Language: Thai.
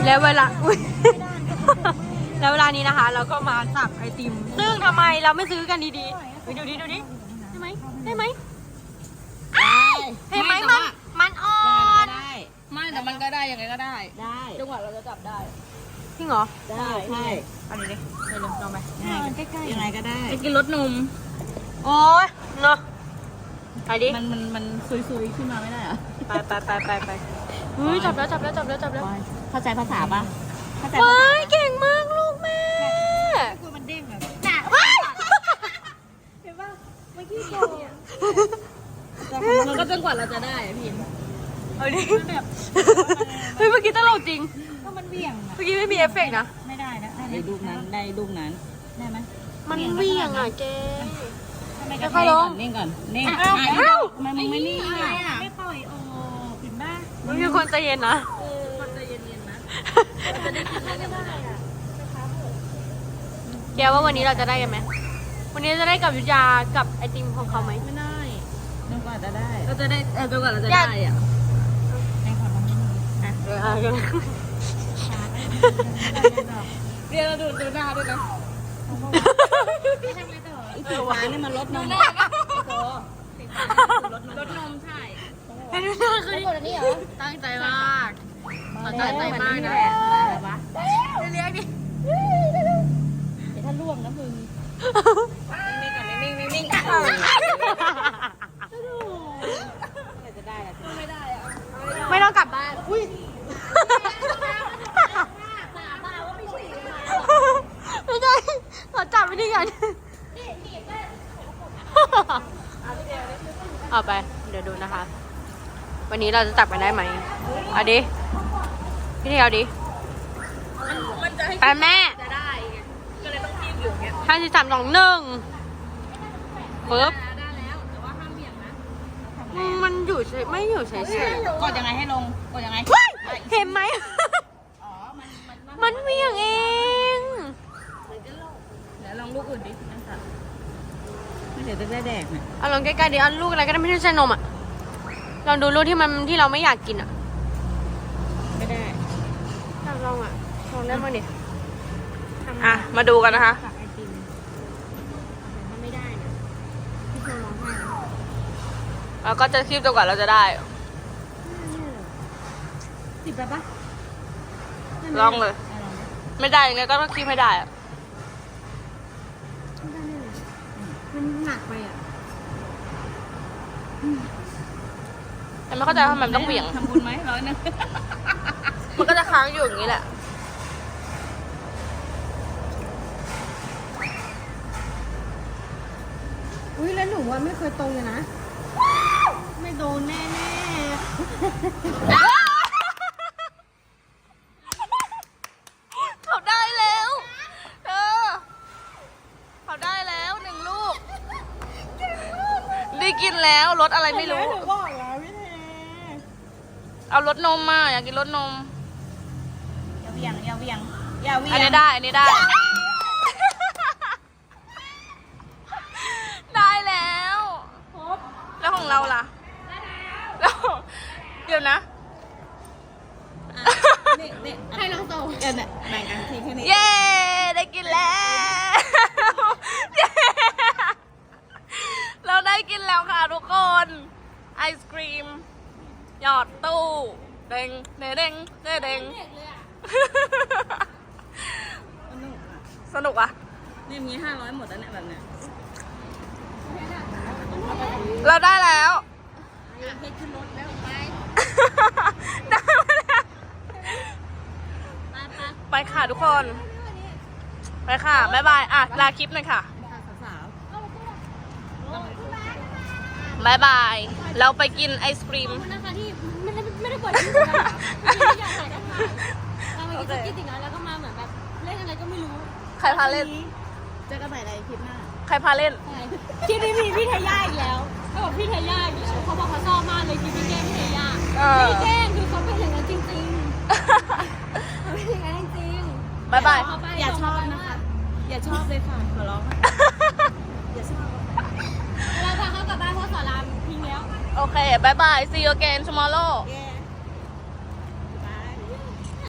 แล้วเวลาอุ๊ย แล้วเวลานี้นะคะ เราก็มาสับไอติม ซึ่งทำไมเราไม่ซื้อกันดีๆดูดิได้ไหมได้ไหมเห็นไหมมันอ่อนไม่แต่มันก็ได้ยังไงก็ได้จังหวะเราจะจับได้จริงเหรอได้ใช่เอาดิไปเลยลองไปใกล้ๆยังไงก็ได้จะกินรสนมโอ้ยเนาะไปดิมันซุยขึ้นมาไม่ได้เหรอไปเฮ้ยจับแล้วเข้าใจภาษาปะเข้าใจว้ายเก่งมากลูกแม่คุยมันเด้งแบบเห็นปะเมื่อกี้โกมันก็จนกว่าเราจะได้พี่เอาดิเฮ้ยเมื่อกี้ตลกจริงก็มันเบี่ยงเมื่อกี้ไม่มีเอฟเฟกต์นะไม่ได้นะได้ลูกนั้นได้ไหมมันเบี่ยงอ่ะแกไม่ค่อยลงนิ่งก่อนนิ่งมันไม่นิ่งไม่ปล่อยโอ้ผิดบ้ามันมีคนใจเย็นนะคนใจเย็นๆนะแกว่าวันนี้เราจะได้กันไหมวันนี้จะได้กับยุทธยากับไอติมของเขาไหมไม่ได้จนกว่าจะได้เราจะได้จนกว่าเราจะได้อ่ะเรียนเราดูหน้าด้วยนะสีฟ้านี่มันลดนมลดนมใช่ให้ดูหน้าคือตั้งใจมากตั้งใจมากนะเรียกดิถ้าล่วงนะมึงนิ่งก่อนนิ่งจะได้ไม่ได้ไม่ต้องกลับบ้านอุ้ยไม่ได้ขอจับไปดิกันเอาไปเดี๋ยวดูนะคะวันนี้เราจะจับกันได้ไหมเอาดิพี่เทียวดิไปแม่จะได้ก็เลยต้องทีมอยู่เงี้ย 5321ปึ๊บได้แล้วแต่ว่าห้ามเบี่ยงนะมันอยู่ไม่อยู่เฉยๆกดยังไงให้ลงกดยังไงเห็นไหมมันเบี่ยงเองเดี๋ยวลองลูกอื่นดิไม่เดี๋ยวจะได้แดกเนี่ยเอาลองใกล้ๆดิเอาลูกอะไรก็ได้ไม่ใช่นมอ่ะลองดูลูกที่เราไม่อยากกินอ่ะไม่ได้ลองได้มั้งดิมาดูกันนะคะไอติมถ้าไม่ได้นะพี่โชว์ร้องไห้เราก็จะคีบจนกว่าเราจะได้ติดไปปะลองเลยไม่ได้ยังไงก็ต้องคีบให้ได้อะมันหนักไปอ่ะแต่ไม่เข้าใจทำไมมันต้องเบี่ยงทำบุญไหม100 นึงมันก็จะค้างอยู่อย่างนี้แหละอุ้ยแล้วหนูว่าไม่เคยตรงเลยนะไม่โดนแน่เขาได้แล้วเขาได้แล้ว1 ลูกได้กินแล้วรสอะไรไม่รู้บอกแล้วพี่เทเอารสนมมาอยากกินรสนมอย่าเวียงอันนี้ได้ได้แล้วแล้วของเราล่ะแล้วเดี๋ยวนะให้น้องโตเนี่ยแบ่งกันทีแค่นี้เย้ได้กินแล้วเราได้กินแล้วค่ะทุกคนไอศกรีมหยอดตู้เด้งสนุกอ่ะนี่มี500หมดแล้วเนี่ยแบบเนี้ยเราได้แล้วเพชรขึ้นรถแล้วไปได้แล้วไปค่ะทุกคนไปค่ะบ๊ายบายลาคลิปหน่อยค่ะบ๊ายบายเราไปกินไอศกรีมนะคะที่ไม่ได้กดที่สุดที่อยากใส่ได้ไหมเรามากินสกิทอีกแล้วก็มาเหมือนแบบเล่นอะไรก็ไม่รู้ใครพาเล่นจะกระใส่อะไรคลิปหน้าใครพาเล่นคลิปนี้มีพี่เทย่าอีกแล้วเขาบอกพี่เทย่าอีกแล้วเขาบอกเขาชอบมากเลยคลิปพี่แกล้งพี่เทย่าพี่แกล้งคือเขาเป็นอย่างนั้นจริงๆเขาเป็นอย่างนั้นจริงๆบ๊ายบายอย่าชอบนะคะอย่าชอบเลยค่ะขอร้องอย่าชอบเราพาเขากลับบ้านเพราะสอนรามทิ้งแล้วโอเคบ๊ายบาย see you again tomorrow